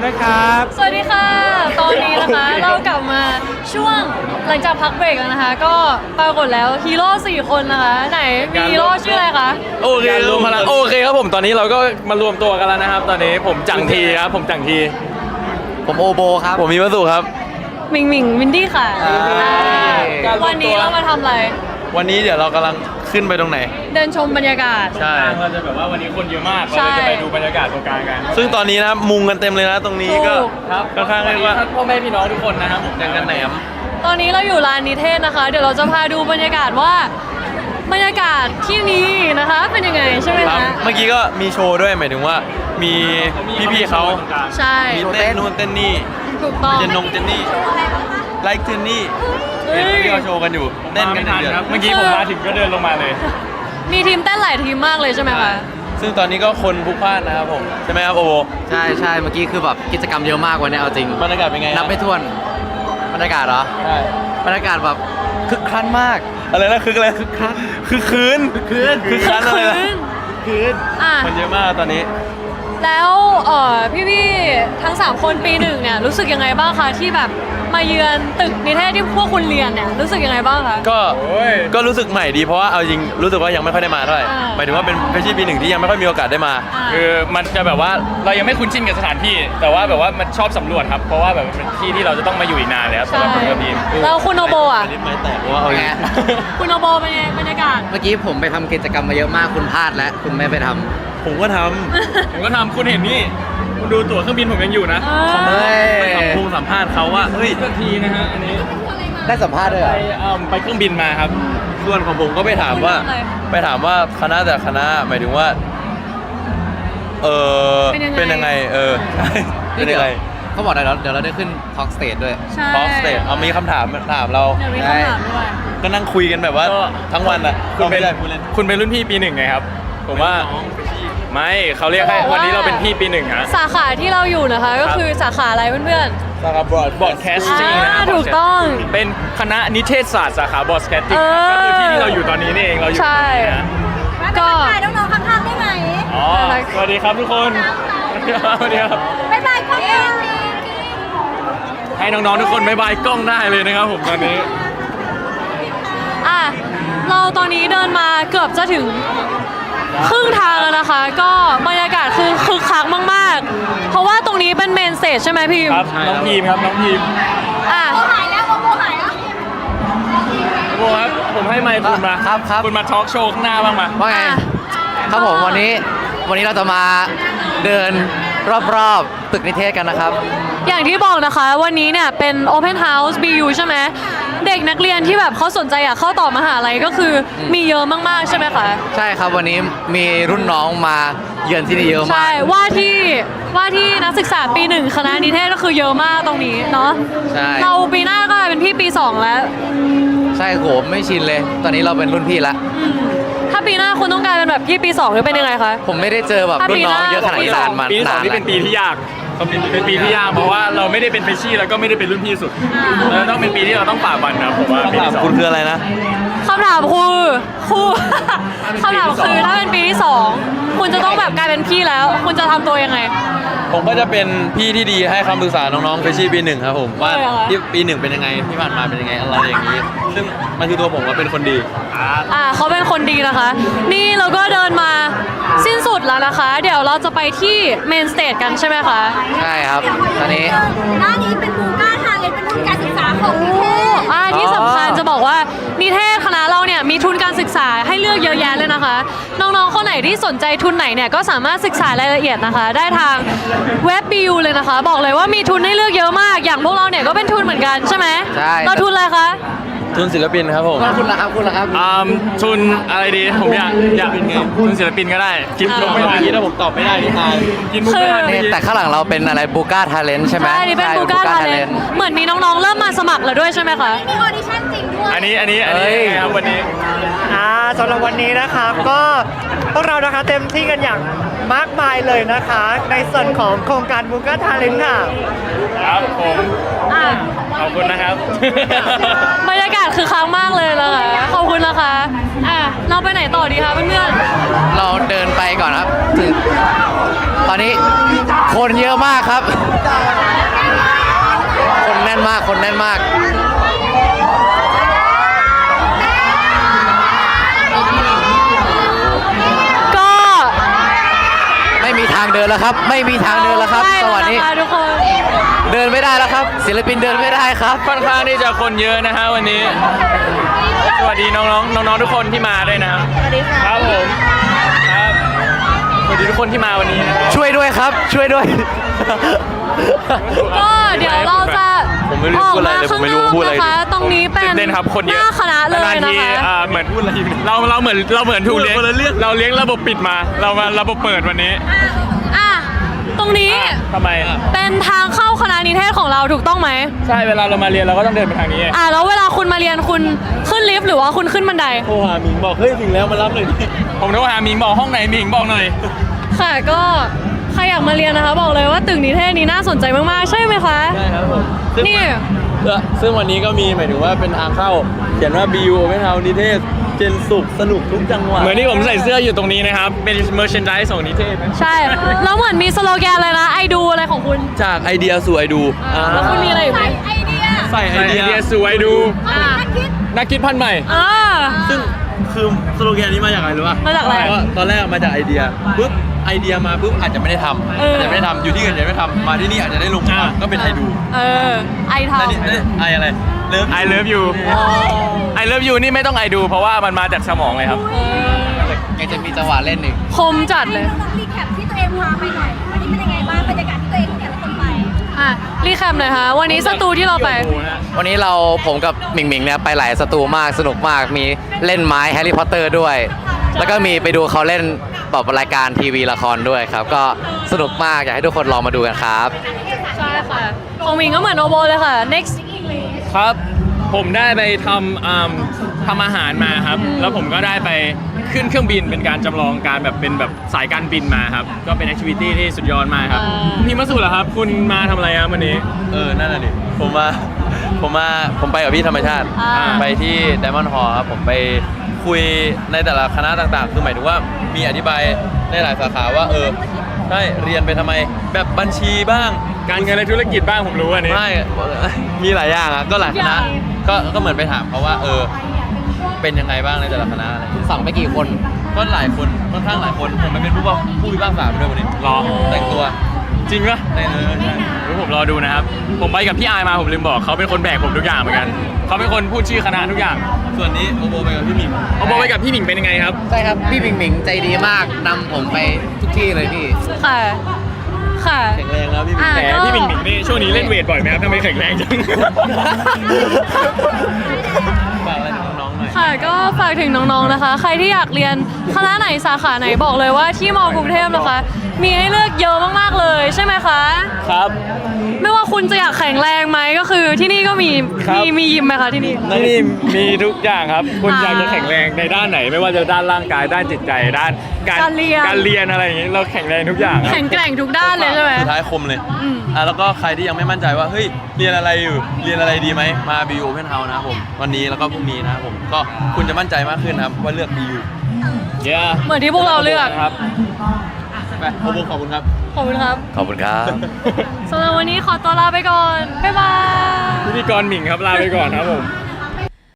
ด้วยครับสวัสดีค่ะ ตอนนี้นะคะ เรากลับมาช่วงหลังจากพักเบรกแล้วนะคะ ก็ปรากฏแล้วฮีโร่4 คนนะคะ ไหนมีฮีโร่ชื่ออะไรคะโอเครวมพลังโอเคครับผมตอนนี้เราก็มารวมตัวกันแล้วนะครับ ตอนนี้ผมจังทีครับผมจังทีผมโอโบครับผมมีวัสดุครับหมิงหมิงวินดี้ค่ะการรวมตัววันนี้เรามาทำอะไรวันนี้เดี๋ยวเรากำลังขึ้นไปตรงไหนเดินชมบรรยากาศใช่เราจะแบบว่าวันนี้คนเยอะมากเราใช่จะไปดูบรรยากาศตรงกลางกัน ซึ่งตอนนี้นะครับมุงกันเต็มเลยนะตรงนี้ก็ถูกครับค่อนข้างเรียกว่าพ่อแม่พี่น้องทุกคนนะครับผมยังกันแหนมตอนนี้เราอยู่ลานนิเทศนะคะ เดี๋ยวเราจะพาดูบรรยากาศว่าบรรยากาศที่นี้นะคะ เป็นยังไงใช่ไหมครับคะเมื่อกี้ก็มีโชว์ด้วยหมายถึงว่ามีพี่ๆเขาใช่มีเต้นนู่นเต้นนี่ถูกต้องเจนนงเจนนี่ไลค์เจนนี่เฮ้ยที่เขาโชว์กันอยู่เต้นกันเดือดๆเมื่อกี้ผมมาถึงก็เดินลงมาเลย มีทีมเต้นหลายทีมมากเลยใช่ไหมคะซึ่งตอนนี้ก็คนพลุกพล่านนะครับผมใช่ไหมครับโอโบใช่ใช่เมื่อกี้คือแบบกิจกรรมเยอะมากวันนี้เอาจริงบรรยากาศเป็นไงนับไม่ถ้วนบรรยากาศเหรอใช่บรรยากาศแบบคึกคันมากอะไรนะคึกอะไรคึกคันคึกคืนคึกคันอะไรนะคืนอ่ะคนเยอะมากตอนนี้แล้วพี่ๆทั้ง 3 คนปี 1เนี่ยรู้สึกยังไงบ้างคะที่แบบมาเยือนตึกนิเทศที่พวกคุณเรียนเนี่ยรู้สึกยังไงบ้างคะก็รู้สึกใหม่ดีเพราะว่าเอาจริงรู้สึกว่ายังไม่ค่อยได้มาเท่าไหร่อ่าหมายถึงว่าเป็นเฟชชี่ปีหนึ่งที่ยังไม่ค่อยมีโอกาสได้มาอ่าคือมันจะแบบว่าเรายังไม่คุ้นชินกับสถานที่ แต่ว่าแบบว่ามันชอบสำรวจครับ เพราะว่าแบบมันเป็นที่ที่เราจะต้องมาอยู่อีกนานเลยครับสำหรับผมกับพีมแล้วคุณโนโบอ่ะอันนี้ไม่แตกเพราะว่าเอาจริงไงคุณโนโบเป็นไงบรรยากาศเมื่อกี้ผมไปทำกิจกรรมมาเยอะมากคุณพลาดแล้วคุณไม่ไปทำผมก็ทผมก็ทำคุณเห็นนี่คุณดูตั๋วเครื่องบินผมยังอยู่นะเออเฮ้ยำไปสัมภาษณ์เขาว่าเฮ้ยสักทีนะฮะอันนี้ได้สัมภาษณ์ด้วยเหรไปอไปเครื่องบินมาครับส่วนของผมก็ไปถามว่าคุณทำอะไรไปถามว่าคณะแต่คณะหมายถึงว่าเป็นยังไงใช่เป็นยังไงเขาบอกเดี๋ยวเราได้ขึ้น Talk Stage ด้วยใช่พอสเตทเอามีคำถามเราเดี๋ยวมีคำถามด้วยก็นั่งคุยกันแบบว่าก็ทั้งวันอ่ะคุณเป็นไม่ได้พูดเล่นคุณเป็นรุ่นพี่ปีหนึ่งไงครับ ผมว่าไม่เขาเรียกให้จะบอกว่าวันนี้เราเป็นพี่ปีหนึ่งฮะสาขาที่เราอยู่นะคะ ก็คือสาขาอะไรเพื่อนสาขาบอร์ดๆ casting นะถูกต้องเป็นคณะนิเทศศาสตร์สาขาบอสแคสติ้งเออก็คือที่ที่เราอยู่ตอนนี้นี่เองเราอยู่ตรงใช่นี้นะก็ถ่ายน้องๆข้างๆได้ไหมอ๋อสวัสดีครับทุกคนสวัสดีครับบ๊ายบายก็เองให้น้องๆทุกคนบายบายกล้องได้เลยนะครับผมตอนนี้อ่ะเราตอนนี้เดินมาเกือบจะถึงครึ่งทางแล้วนะคะ ก็บรรยากาศคือคึกคักมากๆ เพราะว่าตรงนี้เป็นเมนสเตจใช่ไหมพี่ครับน้องพีมครับน้องพีมอ่ะหายแล้วโมหายแล้วโบครับผมให้ไมค์คุณมาครับคุณมาทอล์กโชว์ข้างหน้าบ้างมาว่าไงอ่ะครับผมวันนี้เราจะมาเดินรอบๆตึกนิเทศกันนะครับอย่างที่บอกนะคะวันนี้เนี่ยเป็น Open House BU ใช่ไหมเด็กนักเรียนที่แบบเขาสนใจอยากเข้าต่อมหาลัยก็คือมีเยอะมากๆใช่ไหมคะใช่ครับวันนี้มีรุ่นน้องมาเยือนที่นี่เยอะมาใช่กว่าที่นักศึกษาปี 1 คณะนิเทศก็คือเยอะมากตรงนี้เนาะใช่เราปีหน้าก็เป็นพี่ปี 2 แล้วใช่โหไม่ชินเลย ตอนนี้เราเป็นรุ่นพี่ละถ้าปีหน้าคุณต้องกลายเป็นแบบพี่ปี 2 หรือเป็นยังไงคะผมไม่ได้เจอแบบรุ่นน้องเยอะขนาดนี้นานมาปีที่สองนานนี่เป็นปีที่ยากเป็นปีที่ยากเพราะว่าเราไม่ได้เป็นเฟชชี่แล้วก็ไม่ได้เป็นรุ่นพี่สุดเราต้องเป็นปีที่เราต้องฝ่าฟันนะผมว่าปีคำถามที่สองคุณคืออะไรนะคำถามคือครู คำถามคือถ้าเป็นปีที่ 2 คุณจะต้องแบบกลายเป็นพี่แล้ว คุณจะทำตัวยังไงผมก็จะเป็นพี่ที่ดีให้คำปรึกษาน้องๆเฟชชี่ปีหนึ่งครับผมว่าเหรอคะที่ปีหนึ่งเป็นยังไงที่ผ่านมาเป็นยังไงอะไรอย่างนี้ ซึ่งมันคือตัวผมว่าเป็นคนดีเขาเป็นคนดีนะคะ นี่เราก็เดินมาสิ้นสุดแล้วนะคะ เดี๋ยวเราจะไปที่เมนสเตจกันใช่ไหมคะใช่ครับ ตอนนี้หน้านี้เป็นบูก้าทางเลยเป็นทุนการศึกษาของนิเทศที่สำคัญจะบอกว่านิเทศคณะเราเนี่ยมีทุนการศึกษาให้เลือกเยอะแยะเลยนะคะ น้องๆคนไหนที่สนใจทุนไหนเนี่ยก็สามารถศึกษารายละเอียดนะคะ ได้ทางเว็บ BU เลยนะคะ บอกเลยว่ามีทุนให้เลือกเยอะมาก อย่างพวกเราเนี่ยก็เป็นทุนเหมือนกันใช่ไหมใช่เราทุนอะไรคะทุนศิลปินครับผมคุณละครับคุณละครับทุนอะไรดีผมอยากทุนศิลปินก็ได้คิดอ่าลงไม่ทันเมื่อกี้ถ้าผมตอบไม่ได้นี่ตายกินมุกไม่ทันนี่เมื่อกี้แต่ข้างหลังเราเป็นอะไรบูก้าทาเลนใช่ไหมใช่นี่เป็นบูก้าทาเลน Bugatti Talent เหมือนมีน้องๆเริ่มมาสมัครแล้วด้วยใช่ไหมคะมีออดิชั่นจริงด้วยอันนี้เอ้ยไงครับวันนี้สำหรับวันนี้นะครับก็พวกเรานะคะเต็มที่กันอย่างมากมายเลยนะคะ ในส่วนของโครงการบูก้าทาเลนค่ะครับผมอ่ะขอบคุณนะครับบรรยากาศคือค้างมากเลยนะคะขอบคุณนะคะเราไปไหนต่อดีคะเพื่อนเราเดินไปก่อนครับถึงตอนนี้คนเยอะมากครับ คนแน่นมาก คนแน่นมากก็ไม่มีทางเดินแล้วครับ ไม่มีทางเดินแล้วครับได้สวัสดีแล้นะคะทุกคนเดินไม่ได้แล้วครับ ศิลปินเดินไม่ได้ครับค่อนข้างที่จะคนเยอะนะฮะวันนี้ สวัสดีน้องๆทุกคนที่มาด้วยนะครับสวัสดีครับผมครับสวัสดีทุกคนที่มาวันนี้นะครับช่วยด้วยครับ ช่วยด้วยก็เดี๋ยวเราจะผมไม่รู้พูดอะไรเลยผมไม่รู้พูดอะไรออกมาข้างนอกนะคะ ตรงนี้เป็นตื่นเต้นครับคนเยอะหน้าคณะเลยาๆนะทีคะเหมือนพูดอะไรเราเหมือนถูกเลี้ยงเราเลี้ยงระบบปิดมา เรามาระบบเปิดวันนี้อ่ะตรงนี้ทำไมเป็นทางเข้าคณะนิเทศของเราถูกต้องไหมใช่เวลาเรามาเรียนเราก็ต้องเดินไปทางนี้แล้วเวลาคุณมาเรียนคุณขึ้นลิฟต์หรือว่าคุณขึ้นบันไดโทรหามิงบอกเฮ้ยถึงแล้วมารับหน่อยดิผมโทรหามิงบอกห้องไหนมิงบอกหน่อยค่ะก็ใครอยากมาเรียนนะคะ บอกเลยว่าตึกนิเทศนี้น่าสนใจมากๆ ใช่ไหมคะใช่ครับผมนี่ซึ่งวันนี้ก็มีหมายถึงว่าเป็นทางเข้าเขียนว่า BU Open House นิเทศเจนสุขสนุกทุกจังหวะเหมือนที่ผมใส่เสื้ออยู่ตรงนี้นะครับเป็น merchandise ของนิเทศใช่แล้วเหมือนมีสโลแกนเลยนะไอดูอะไรของคุณจากไอเดียสู่ไอดูแล้วคุณมีอะไรอีกไหมไอเดียใส่ไอเดียสู่ไอดูอ่านักคิดพันธุ์ใหม่อ่าซึ่งคือสโลแกนนี้มาจากอะไรรู้ป่ะมาจากอะไรก็ตอนแรกมาจากไอเดียปุ๊บไอเดียมาปุ๊บอาจจะไม่ได้ทำเออออาจจะไม่ได้ทำอยู่ที่อื่นอาจจะไม่ทำมาที่นี่อาจจะได้ลงมาก็เป็นไอดูไอทแล้วนี่ไออะไรเลิฟไอเลิฟยูไอเลิฟยูนี่ไม่ต้องไอดูเพราะว่ามันมาจากสมองเลยครับยังจะมีจังหวะเล่นอีกคมจัดเลยลองรีแคปที่ตัวเองพาไปหน่อยวันนี้เป็นยังไงบ้างบรรยากาศที่ตัวเองแต่ละคนไปรีแคปหน่อยค่ะวันนี้สตูที่เราไปวันนี้ผมกับหมิงหมิงเนี่ยไปหลายสตูมากสนุกมากมีเล่นไม้แฮร์รี่พอตเตอร์ด้วย แล้วก็มีไปดูเขาเล่นแบบรายการทีวีละครด้วยครับ ก็สนุกมากอยากให้ทุกคนลองมาดูกันครับใช่ค่ะ ของมิงก็เหมือนโอโบเลยค่ะ next ครับ ผมได้ไปทำอาหารมาครับ แล้วผมก็ได้ไปขึ้นเครื่องบินเป็นการจำลองการแบบเป็นแบบสายการบินมาครับ ก็เป็นแอคทิวิตี้ที่สุดยอดมากครับ พี่มาสุเหรอครับ คุณมาทำอะไรครับวันนี้นั่นน่ะดิผมไปกับพี่ธรรมชาติ ไปที่ Diamond Hall ครับ ผมไปคุยในแต่ละคณะต่างๆ คือหมายถึงว่ามีอธิบายในหลายสาขาว่าใช่เรียนไปทำไมแบบบัญชีบ้างการเงินและธุรกิจบ้างผมรู้อันนี้ไม่ มีหลายอย่างอ่ะก็หลายคณะก็เหมือนไปถามเขาว่าเป็นยังไงบ้างในแต่ละคณะอะไรอย่างเงี้ยสั่งไปกี่คนก็หลายคนค่อนข้างหลายคนผมไปเป็นผู้พิพากษาไปด้วยวันนี้รอแต่งตัวจริงปะใช่เดี๋ยวผมรอดูนะครับ ผมไปกับพี่อายมาผมลืมบอกเขาเป็นคนแบกผมทุกอย่างเหมือนกัน เขาเป็นคนพูดชื่อคณะทุกอย่างส่วนนี้โอโบไปกับพี่หมิงเอาบอกไปกับพี่หมิงเป็นยังไงครับใช่ครับ พี่หมิงหมิงใจดีมากนำผมไปทุกที่เลยพี่ค่ะ ค่ะแข็งแรงแล้วพี่หมิงแต่พี่หมิงหมิงนี่ช่วงนี้เล่นเวทบ่อยไหมครับทำไมแข็งแรงจังฝากอะไรถึงน้องๆหน่อยค่ะก็ฝากถึงน้องๆนะคะ ใครที่อยากเรียนคณะไหนสาขาไหนบอกเลยว่าที่มอกรุงเทพนะคะ มีให้เลือกเยอะมากๆเลยใช่ไหมคะครับไม่ว่าคุณจะอยากแข็งแรงไหมก็คือที่นี่ก็มีครับมียิมไหมคะที่นี่นี่มีทุกอย่างครับ คุณอยากจะอ่าแข็งแรงในด้านไหน ไม่ว่าจะด้านร่างกายด้านจิตใจด้านการการเรียนอะไรอย่างนี้เราแข็งแรงทุกอย่างครับแข็งแกร่งทุกด้านเลยใช่ไหมสุดท้ายคมเลยอืมแล้วก็ใครที่ยังไม่มั่นใจว่าเฮ้ยเรียนอะไรอยู่เรียนอะไรดีไหมมา BU Open House นะครับผมวันนี้แล้วก็พรุ่งนี้นะครับผมก็คุณจะมั่นใจมากขึ้นนะครับว่าเลือก BU เย้เหมือนที่พวกเราเลือกครับไปโอโบขอบคุณครับขอบคุณครับขอบคุณครับสำหรับวันนี้ขอตัวลาไปก่อน บ๊ายบายพิธีกรหมิงครับลาไปก่อนครับผม